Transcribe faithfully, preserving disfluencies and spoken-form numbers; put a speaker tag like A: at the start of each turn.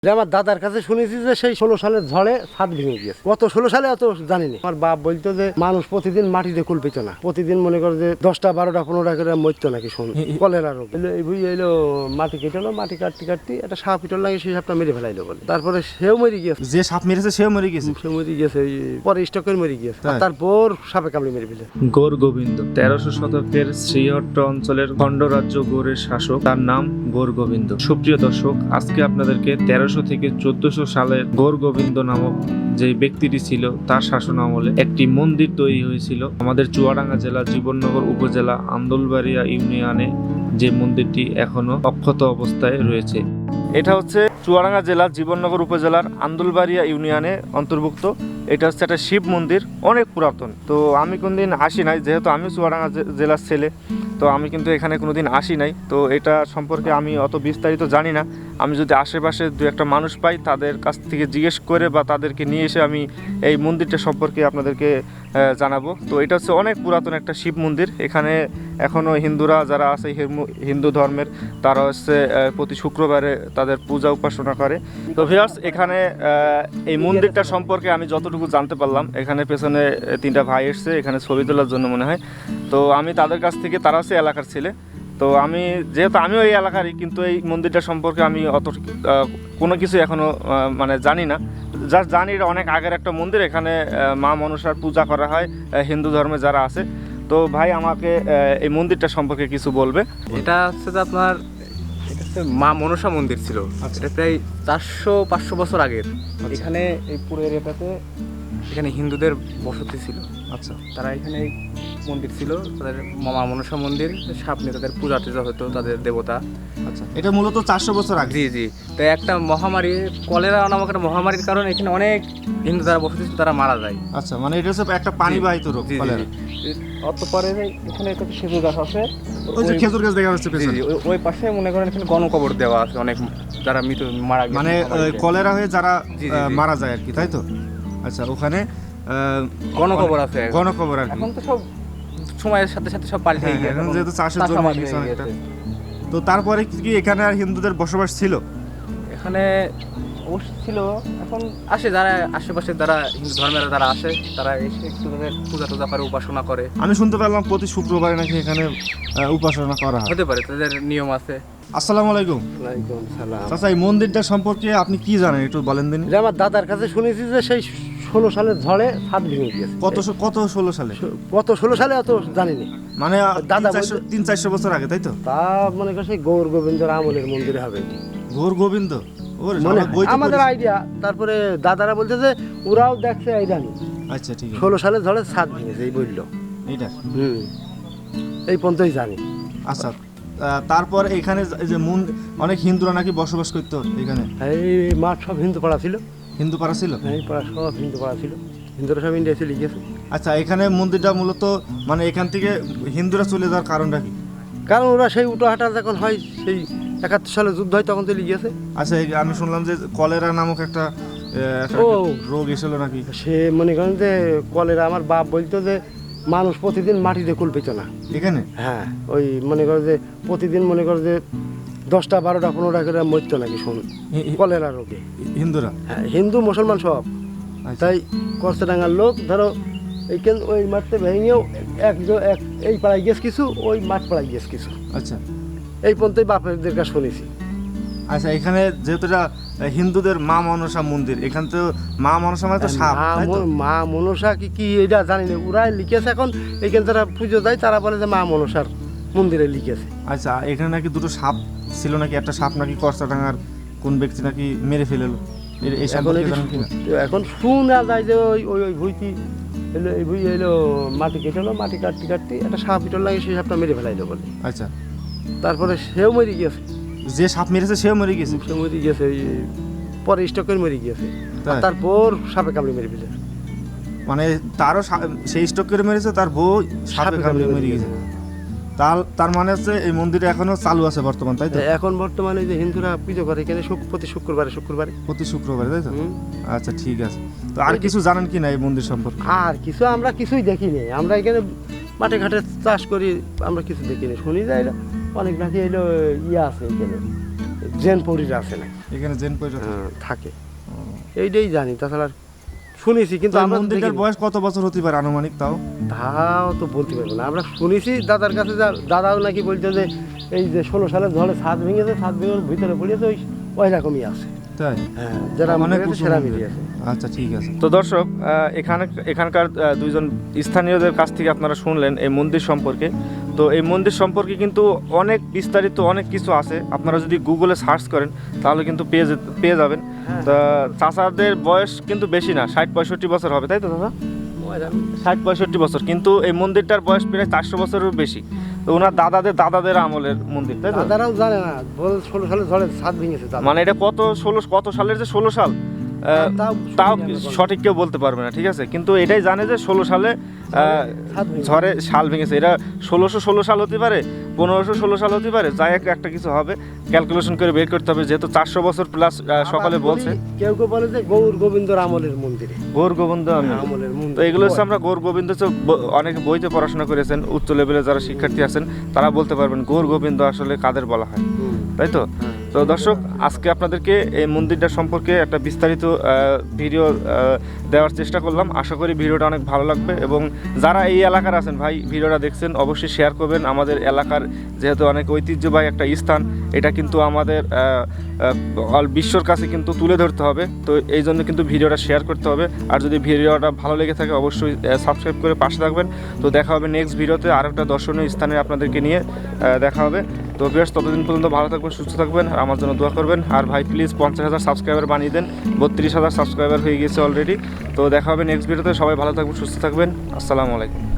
A: আমার দাদার কাছে শুনেছি যে সেই ষোলো সালের ঝড়ে ছাদ ভেঙে গিয়েছে। কত ষোলো সালে অত জানিনি। আমার বাপ বলতো যে মানুষ প্রতিদিন মাটিতে কুল পেত না, প্রতিদিন মনে করে যে দশটা বারোটা পনেরোটা করে মরতো নাকি শুন কলেরা রোগ এলো। এই বুঝি এলো মাটি কেটে মাটি কাটতে কাটতে একটা সাপ পিটল লাগে, সেই সাপটা মেরে ফেলাইলো বলে। তারপরে সেও মরে গিয়েছে,
B: যে সাপ মেরেছে সেও মরে গেছে,
A: সে মরে গিয়েছে পরে স্টক করে মরে গিয়েছে। তারপর সাপে কামড়ে মেরে ফেলে।
C: গৌর গোবিন্দ তেরোশো শতকের শ্রীহট্ট অঞ্চলের খণ্ডরাজ্য গৌড়ের শাসক, তার নাম গৌর গোবিন্দ। সুপ্রিয় দর্শক, আজকে আপনাদেরকে তেরোশো থেকে চোদ্দশো সালের গৌর গোবিন্দ নামক যে ব্যক্তিটি ছিল তার শাসন আমলে একটি মন্দির তৈরি হয়েছিল আমাদের চুয়াডাঙ্গা জেলা জীবননগর উপজেলা আন্দুলবাড়িয়া ইউনিয়নে, যে মন্দিরটি এখনো অক্ষত অবস্থায় রয়েছে। এটা হচ্ছে চুয়াডাঙ্গা জেলা জীবননগর উপজেলার আন্দুলবাড়িয়া ইউনিয়নে অন্তর্ভুক্ত। এটা হচ্ছে একটা শিব মন্দির, অনেক পুরাতন। তো আমি কোনদিন আসি নাই, যেহেতু আমি চুয়াডাঙ্গা জেলার ছেলে, তো আমি কিন্তু এখানে কোনোদিন আসি নাই। তো এটা সম্পর্কে আমি অত বিস্তারিত জানি না। আমি যদি আশেপাশে দু একটা মানুষ পাই, তাদের কাছ থেকে জিজ্ঞেস করে বা তাদেরকে নিয়ে এসে আমি এই মন্দিরটা সম্পর্কে আপনাদেরকে জানাবো। তো এটা হচ্ছে অনেক পুরাতন একটা শিব মন্দির। এখানে এখনও হিন্দুরা যারা আছে, হিন্দু ধর্মের, তারা হচ্ছে প্রতি শুক্রবারে তাদের পূজা উপাসনা করে। তো ভিউয়ার্স, এখানে এই মন্দিরটা সম্পর্কে আমি যতটুকু জানতে পারলাম, এখানে পেছনে তিনটা ভাই এসছে এখানে ছবি তোলার জন্য মনে হয়। তো আমি তাদের কাছ থেকে, তারা হচ্ছে এলাকার ছেলে, তো আমি যেহেতু আমিও এই এলাকারই, কিন্তু এই মন্দিরটা সম্পর্কে আমি অত কোনো কিছু এখনও মানে জানি না। জাস্ট জানি এটা অনেক আগের একটা মন্দির, এখানে মা মনসার পূজা করা হয় হিন্দু ধর্মে যারা আছে। তো ভাই আমাকে এই মন্দিরটা সম্পর্কে কিছু বলবে।
D: এটা হচ্ছে যে আপনার এটা হচ্ছে মা মনসা মন্দির ছিল। এটা প্রায় চারশো পাঁচশো বছর আগের। এখানে এই পুরো এরিয়াটাতে এখানে হিন্দুদের বসতি ছিল।
B: আচ্ছা,
D: তারা এখানে মন্দির ছিল, তাদের মা মনসা মন্দির, সামনে তাদের পূজা টুজা হতো, তাদের দেবতা।
B: আচ্ছা, এটা মূলত চারশো বছর আগে।
D: জি জি তো একটা মহামারী, কলেরা নামক একটা মহামারীর কারণে এখানে অনেক হিন্দু যারা বসতি ছিল তারা মারা যায়।
B: আচ্ছা, মানে এটা হচ্ছে একটা পানিবাহিত রোগ।
D: অতপরে এখানে একটা খেজুর গাছ আছে,
B: ওই যে খেজুর গাছ দেখা যাচ্ছে পেছনে,
D: ওই পাশে মনে করেন এখানে গণকবর দেওয়া আছে অনেক যারা মৃত মারা গেছে,
B: মানে কলেরা হয়ে যারা মারা যায় আর কি, তাই তো? আচ্ছা, ওখানে
D: গণকবর আছে,
B: গণকবর আর কি।
D: এখন তো সব সময়ের সাথে সাথে সব পাল্টে গেছে,
B: এখন যেহেতু চাষের জমি হয়ে গেছে। তো তারপরে কি এখানে আর হিন্দুদের বসবাস ছিল?
D: এখানে অবশ্যই ছিল। এখন আসে যারা আশেপাশে যারা হিন্দু ধর্মের যারা আসে, তারা এসে একটু তাদের পূজা টুজা করে, উপাসনা করে।
B: আমি শুনতে পেলাম প্রতি শুক্রবারে নাকি এখানে উপাসনা করা হয়।
D: হতে পারে, তাদের নিয়ম আছে।
B: আসসালামু আলাইকুম।
A: ওয়ালাইকুম সালাম।
B: চাচা, এই মন্দিরটা সম্পর্কে আপনি কি জানেন একটু বলেন দিন।
A: আমার দাদার কাছে শুনেছি যে সেই ষোলো সালের ঝড়ে ছাদ ভেঙে গিয়েছে।
B: কত কত ষোলো সালে?
A: কত ষোলো সালে অত জানিনি।
B: মানে
A: দাদা
B: তিন চারশো বছর আগে, তাই তো?
A: তা মনে করে সেই গৌর গোবিন্দর আমলের মন্দিরে হবে।
B: গৌর গোবিন্দ
A: আমাদের আইডিয়া। তারপরে দাদারা বলছে যে ওরাও দেখছে এই জানি।
B: আচ্ছা, ঠিক আছে।
A: ষোলো সালে ঝড়ে ছাদ ভেঙেছে এই বললো
B: এইটা।
A: হুম, এই পর্যন্তই জানি।
B: আচ্ছা, তারপর এখানে যে অনেক হিন্দুরা নাকি বসবাস করতো এখানে।
A: এই মাঠ সব হিন্দু পাড়া ছিল।
B: হিন্দু পাড়া ছিল?
A: এই পাড়া সব হিন্দু পাড়া ছিল, হিন্দুরা সব ইন্ডিয়া চলে গিয়েছে।
B: আচ্ছা, এখানে মন্দিরটা মূলত মানে এখান থেকে হিন্দুরা চলে যাওয়ার কারণটা কি?
A: কারণ ওরা সেই উটো হাঁটা যখন হয়, সেই একাত্তর সালে যুদ্ধ হয়, তখন চলে গিয়েছে।
B: আচ্ছা, আমি শুনলাম যে কলেরা নামক একটা
A: ও
B: রোগ এসেছিল নাকি?
A: সে মনে করেন যে কলেরা, আমার বাপ বলতো যে মানুষ প্রতিদিন মাটিতে কুল পেত না
B: এখানে।
A: হ্যাঁ, ওই মনে করে যে প্রতিদিন মনে করে যে দশটা বারোটা পনেরোটা করে মরতো নাকি শুন কলেরা রোগে
B: হিন্দুরা।
A: হ্যাঁ, হিন্দু মুসলমান সব। তাই কষ্টাঙ্গার লোক ধরো এই কেন ওই মাঠে ভেঙেও এক এক এই পাড়ায় গেছ কিছু, ওই মাঠ পাড়ায় গেছ কিছু।
B: আচ্ছা,
A: এই পর্যন্তই বাপেরদের কাছে শুনেছি।
B: আচ্ছা, এখানে যেহেতু এটা হিন্দুদের মা মনসা মন্দির, এখান তো মা মনসা মানে তো সাপ,
A: মা মনসা কি কি এটা জানি না, ওরাই লিখেছে। এখন এখানে যারা পুজো দেয় তারা বলে যে মা মনসার মন্দিরে লিখেছে।
B: আচ্ছা, এখানে নাকি দুটো সাপ ছিল নাকি, একটা সাপ নাকি কষ্টাডাঙ্গার কোন ব্যক্তি নাকি মেরে ফেললো।
A: এখন শোনা যায় যে ওই ওই ওই ভুইটি এলো, এই ভুই এলো মাটি কেটেলো, মাটি কাটতে কাটতে একটা সাপ পিটল লাগে, সেই সাপটা মেরে ফেলাইলো বলে।
B: আচ্ছা,
A: তারপরে সেও মরে গিয়েছে।
B: যে সাপ মেরেছে সেও মরে গেছে?
A: সে মরে গিয়েছে, পরে স্টক করে মরে গিয়েছে। তারপর সাপে কামড়ে মেরে ফেলেছে।
B: মানে তারও সেই স্টক করে মেরেছে, তার বউ সাপে কামড়ে মেরে গেছে। তার তার মানে হচ্ছে এই মন্দিরে এখনো চালু আছে বর্তমান, তাই তো?
A: এখন বর্তমানে যে হিন্দুরা পুজো করে এখানে প্রতি শুক্রবারে শুক্রবারে
B: প্রতি শুক্রবারে, তাই তো? আচ্ছা, ঠিক আছে। তো আর কিছু জানেন কি না এই মন্দির সম্পর্কে?
A: আর কিছু আমরা কিছুই দেখিনি। আমরা এখানে মাঠে ঘাটে চাষ করি, আমরা কিছু দেখিনি। শুনি যায় অনেক নাকি এলো ইয়ে আছে এখানে জেন পরিরা আছে না
B: এখানে জেন পয়সা
A: হ্যাঁ, থাকে এইটাই জানি, তাছাড়া আর শুনেছি কিন্তু আমরা
B: মন্দিরটার
A: দেখিনি।
B: বয়স কত বছর হতে পারে আনুমানিক তাও?
A: তাও তো বলতে পারবো না, আমরা শুনেছি দাদার কাছে, যা দাদাও নাকি বলতে যে এই যে ষোলো সালের ঝড়ে ছাদ ভেঙেছে, ছাদ ভেঙে ভিতরে পড়িয়েছে, ওই ওই রকমই আছে।
B: তাই
A: হ্যাঁ, যারা
B: অনেক
A: মনে
B: উঁচু
A: সেরা
B: মন্দির।
A: মিলিয়ে আছে।
B: আচ্ছা ঠিক আছে।
C: তো দর্শক আহ, এখানে এখানকার আহ, দুইজন স্থানীয়দের কাছ থেকে আপনারা শুনলেন এই মন্দির সম্পর্কে। তো এই মন্দির সম্পর্কে কিন্তু অনেক বিস্তারিত অনেক কিছু আছে, আপনারা যদি গুগলে সার্চ করেন তাহলে কিন্তু পেয়ে যেতে পেয়ে যাবেন।
A: হ্যাঁ।
C: তা চাচাদের বয়স কিন্তু বেশি না, ষাট পঁয়ষট্টি বছর হবে, তাই তো দাদা? ষাট পঁয়ষট্টি বছর, কিন্তু এই মন্দিরটার বয়স প্রায় চারশো বছরেরও বেশি। তো ওনার দাদাদের দাদাদের আমলের মন্দির, তাই তো?
A: দাদারাও জানে না, বল ষোলো সালের ঝড়ে ছাদ ভেঙেছে দাদা।
C: মানে এটা কত ষোলো কত সালের যে ষোলো সাল আহ,
A: তাও
C: তাও
A: সঠিক জানা
C: সঠিক কেউ বলতে পারবে না, ঠিক আছে? কিন্তু এটাই জানে যে ষোলো সালে আহ,
A: ছাদ ভেঙেছে।
C: ঝড়ে শাল ভেঙেছে। এটা ষোলোশো ষোলো সাল হতে পারে, পনেরোশো ষোলো সাল হতে পারে, যাই হোক একটা কিছু হবে, ক্যালকুলেশন করে বের করতে হবে, যেহেতু চারশো বছর প্লাস সকালে
A: আবার
C: বলছে।
A: বলি, কেউ কেউ বলে যে গৌর গোবিন্দর আমলের মন্দিরে,
C: গৌর গোবিন্দ আমি
A: আমলের মন্দির।
C: তো এগুলো হচ্ছে আমরা গৌর গোবিন্দ হচ্ছে ব- অনেকে বইতে পড়াশোনা করেছেন, উচ্চ লেভেলে যারা শিক্ষার্থী আছেন তারা বলতে পারবেন গৌর গোবিন্দ আসলে কাদের বলা হয়,
A: হুম।
C: তাই তো? তো দর্শক, আজকে আপনাদেরকে এই মন্দিরটা সম্পর্কে একটা বিস্তারিত আহ, ভিডিও আহ, দেওয়ার চেষ্টা করলাম। আশা করি ভিডিওটা অনেক ভালো লাগবে, এবং যারা এই এলাকার আছেন ভাই ভিডিওটা দেখছেন অবশ্যই শেয়ার করবেন। আমাদের এলাকার যেহেতু অনেক ঐতিহ্যবাহী একটা স্থান, এটা কিন্তু আমাদের আহ, আহ, অল বিশ্বর কাছে কিন্তু তুলে ধরতে হবে। তো এই জন্য কিন্তু ভিডিওটা শেয়ার করতে হবে, আর যদি ভিডিওটা ভালো লেগে থাকে অবশ্যই সাবস্ক্রাইব করে পাশে থাকবেন। তো দেখা হবে নেক্সট ভিডিওতে আর একটা দর্শনীয় স্থানে আপনাদেরকে নিয়ে আহ, দেখা হবে। তো বেশ, ততদিন পর্যন্ত ভালো থাকবেন, সুস্থ থাকবেন, আর আমার জন্য দোয়া করবেন। আর ভাই প্লিজ পঞ্চাশ হাজার সাবস্ক্রাইবার বানিয়ে দেন, বত্রিশ হাজার সাবস্ক্রাইবার হয়ে গেছে অলরেডি। তো দেখা হবে নেক্সট ভিডিওতে, সবাই ভালো থাকবেন, সুস্থ থাকবেন, আসসালামু আলাইকুম।